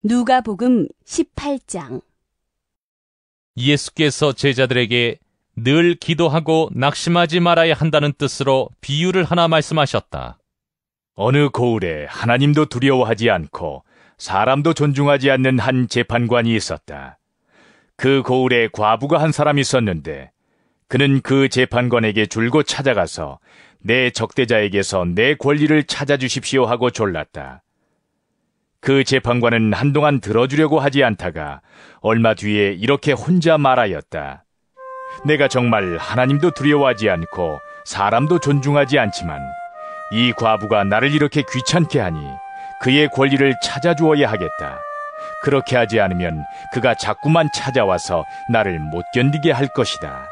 누가복음 18장. 예수께서 제자들에게 늘 기도하고 낙심하지 말아야 한다는 뜻으로 비유를 하나 말씀하셨다. 어느 고을에 하나님도 두려워하지 않고 사람도 존중하지 않는 한 재판관이 있었다. 그 고을에 과부가 한 사람이 있었는데 그는 그 재판관에게 줄곧 찾아가서 내 적대자에게서 내 권리를 찾아주십시오 하고 졸랐다. 그 재판관은 한동안 들어주려고 하지 않다가 얼마 뒤에 이렇게 혼자 말하였다. 내가 정말 하나님도 두려워하지 않고 사람도 존중하지 않지만 이 과부가 나를 이렇게 귀찮게 하니 그의 권리를 찾아주어야 하겠다. 그렇게 하지 않으면 그가 자꾸만 찾아와서 나를 못 견디게 할 것이다.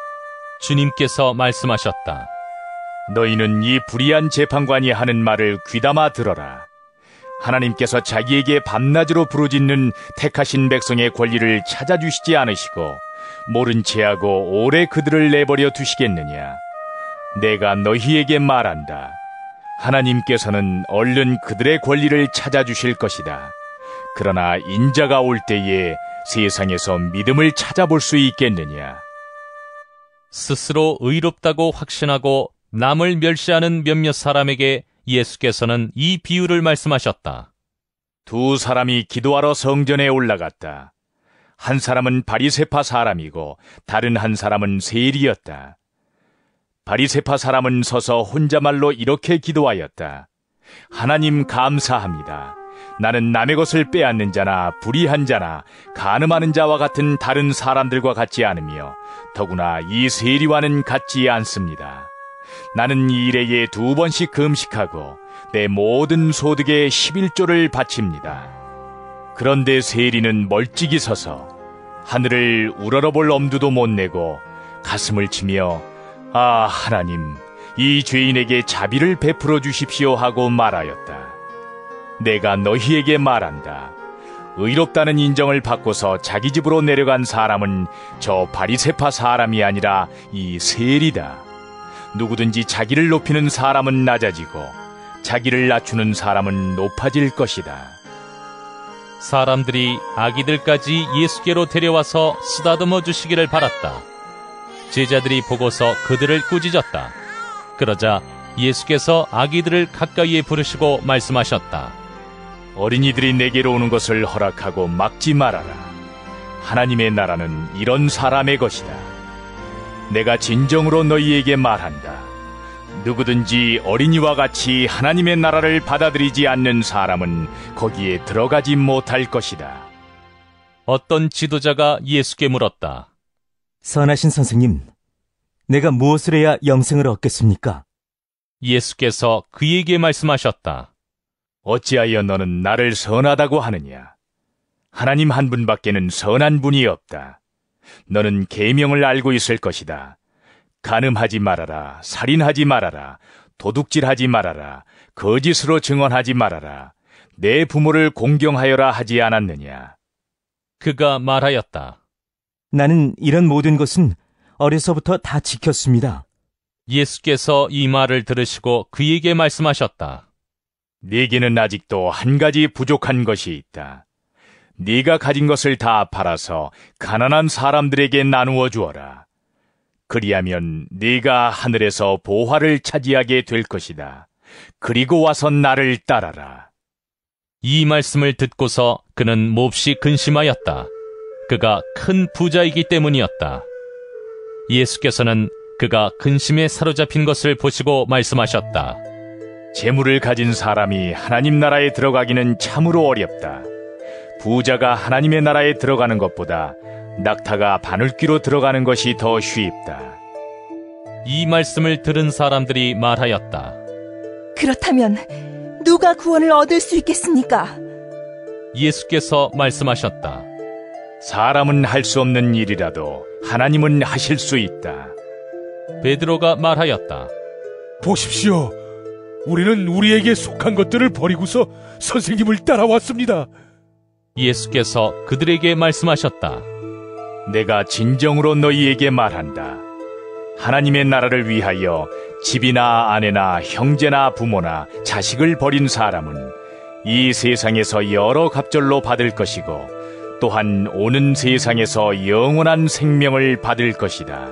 주님께서 말씀하셨다. 너희는 이 불의한 재판관이 하는 말을 귀담아 들어라. 하나님께서 자기에게 밤낮으로 부르짖는 택하신 백성의 권리를 찾아주시지 않으시고 모른 체하고 오래 그들을 내버려 두시겠느냐. 내가 너희에게 말한다. 하나님께서는 얼른 그들의 권리를 찾아주실 것이다. 그러나 인자가 올 때에 세상에서 믿음을 찾아볼 수 있겠느냐. 스스로 의롭다고 확신하고 남을 멸시하는 몇몇 사람에게 예수께서는 이 비유를 말씀하셨다. 두 사람이 기도하러 성전에 올라갔다. 한 사람은 바리새파 사람이고 다른 한 사람은 세리였다. 바리새파 사람은 서서 혼자말로 이렇게 기도하였다. 하나님 감사합니다. 나는 남의 것을 빼앗는 자나 불의한 자나 간음하는 자와 같은 다른 사람들과 같지 않으며 더구나 이 세리와는 같지 않습니다. 나는 이 일에 2번씩 금식하고 내 모든 소득의 11조를 바칩니다. 그런데 세리는 멀찍이 서서 하늘을 우러러볼 엄두도 못 내고 가슴을 치며 아 하나님, 이 죄인에게 자비를 베풀어 주십시오 하고 말하였다. 내가 너희에게 말한다. 의롭다는 인정을 받고서 자기 집으로 내려간 사람은 저 바리새파 사람이 아니라 이 세리다. 누구든지 자기를 높이는 사람은 낮아지고 자기를 낮추는 사람은 높아질 것이다. 사람들이 아기들까지 예수께로 데려와서 쓰다듬어 주시기를 바랐다. 제자들이 보고서 그들을 꾸짖었다. 그러자 예수께서 아기들을 가까이에 부르시고 말씀하셨다. 어린이들이 내게로 오는 것을 허락하고 막지 말아라. 하나님의 나라는 이런 사람의 것이다. 내가 진정으로 너희에게 말한다. 누구든지 어린이와 같이 하나님의 나라를 받아들이지 않는 사람은 거기에 들어가지 못할 것이다. 어떤 지도자가 예수께 물었다. 선하신 선생님, 내가 무엇을 해야 영생을 얻겠습니까? 예수께서 그에게 말씀하셨다. 어찌하여 너는 나를 선하다고 하느냐? 하나님 한 분밖에는 선한 분이 없다. 너는 계명을 알고 있을 것이다. 간음하지 말아라, 살인하지 말아라, 도둑질하지 말아라, 거짓으로 증언하지 말아라, 내 부모를 공경하여라 하지 않았느냐? 그가 말하였다. 나는 이런 모든 것은 어려서부터 다 지켰습니다. 예수께서 이 말을 들으시고 그에게 말씀하셨다. 네게는 아직도 한 가지 부족한 것이 있다. 네가 가진 것을 다 팔아서 가난한 사람들에게 나누어 주어라. 그리하면 네가 하늘에서 보화를 차지하게 될 것이다. 그리고 와서 나를 따라라. 이 말씀을 듣고서 그는 몹시 근심하였다. 그가 큰 부자이기 때문이었다. 예수께서는 그가 근심에 사로잡힌 것을 보시고 말씀하셨다. 재물을 가진 사람이 하나님 나라에 들어가기는 참으로 어렵다. 부자가 하나님의 나라에 들어가는 것보다 낙타가 바늘귀로 들어가는 것이 더 쉽다. 이 말씀을 들은 사람들이 말하였다. 그렇다면 누가 구원을 얻을 수 있겠습니까? 예수께서 말씀하셨다. 사람은 할 수 없는 일이라도 하나님은 하실 수 있다. 베드로가 말하였다. 보십시오. 우리는 우리에게 속한 것들을 버리고서 선생님을 따라왔습니다. 예수께서 그들에게 말씀하셨다. 내가 진정으로 너희에게 말한다. 하나님의 나라를 위하여 집이나 아내나 형제나 부모나 자식을 버린 사람은 이 세상에서 여러 갑절로 받을 것이고 또한 오는 세상에서 영원한 생명을 받을 것이다.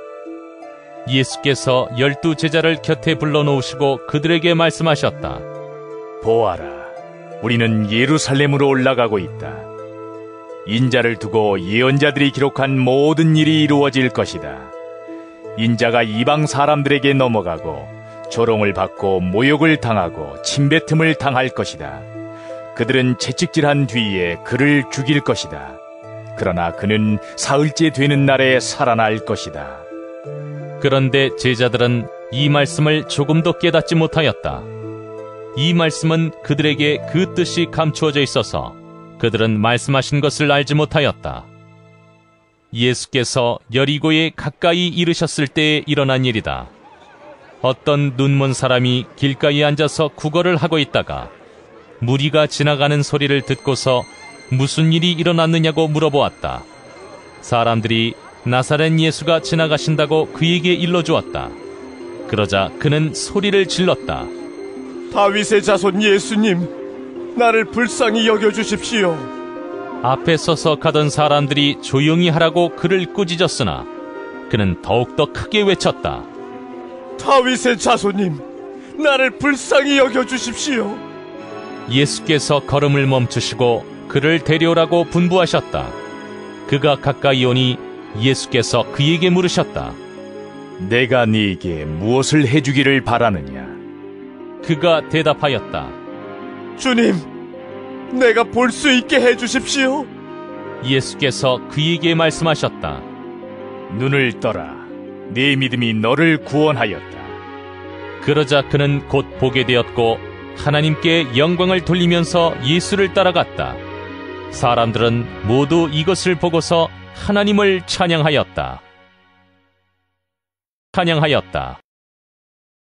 예수께서 12 제자를 곁에 불러놓으시고 그들에게 말씀하셨다. 보아라, 우리는 예루살렘으로 올라가고 있다. 인자를 두고 예언자들이 기록한 모든 일이 이루어질 것이다. 인자가 이방 사람들에게 넘어가고 조롱을 받고 모욕을 당하고 침뱉음을 당할 것이다. 그들은 채찍질한 뒤에 그를 죽일 것이다. 그러나 그는 사흘째 되는 날에 살아날 것이다. 그런데 제자들은 이 말씀을 조금도 깨닫지 못하였다. 이 말씀은 그들에게 그 뜻이 감추어져 있어서 그들은 말씀하신 것을 알지 못하였다. 예수께서 여리고에 가까이 이르셨을 때에 일어난 일이다. 어떤 눈먼 사람이 길가에 앉아서 구걸을 하고 있다가 무리가 지나가는 소리를 듣고서 무슨 일이 일어났느냐고 물어보았다. 사람들이 나사렛 예수가 지나가신다고 그에게 일러주었다. 그러자 그는 소리를 질렀다. 다윗의 자손 예수님, 나를 불쌍히 여겨주십시오. 앞에 서서 가던 사람들이 조용히 하라고 그를 꾸짖었으나 그는 더욱더 크게 외쳤다. 다윗의 자손님, 나를 불쌍히 여겨주십시오. 예수께서 걸음을 멈추시고 그를 데려오라고 분부하셨다. 그가 가까이 오니 예수께서 그에게 물으셨다. 내가 네게 무엇을 해주기를 바라느냐? 그가 대답하였다. 주님, 내가 볼 수 있게 해주십시오. 예수께서 그에게 말씀하셨다. 눈을 떠라. 네 믿음이 너를 구원하였다. 그러자 그는 곧 보게 되었고 하나님께 영광을 돌리면서 예수를 따라갔다. 사람들은 모두 이것을 보고서 하나님을 찬양하였다.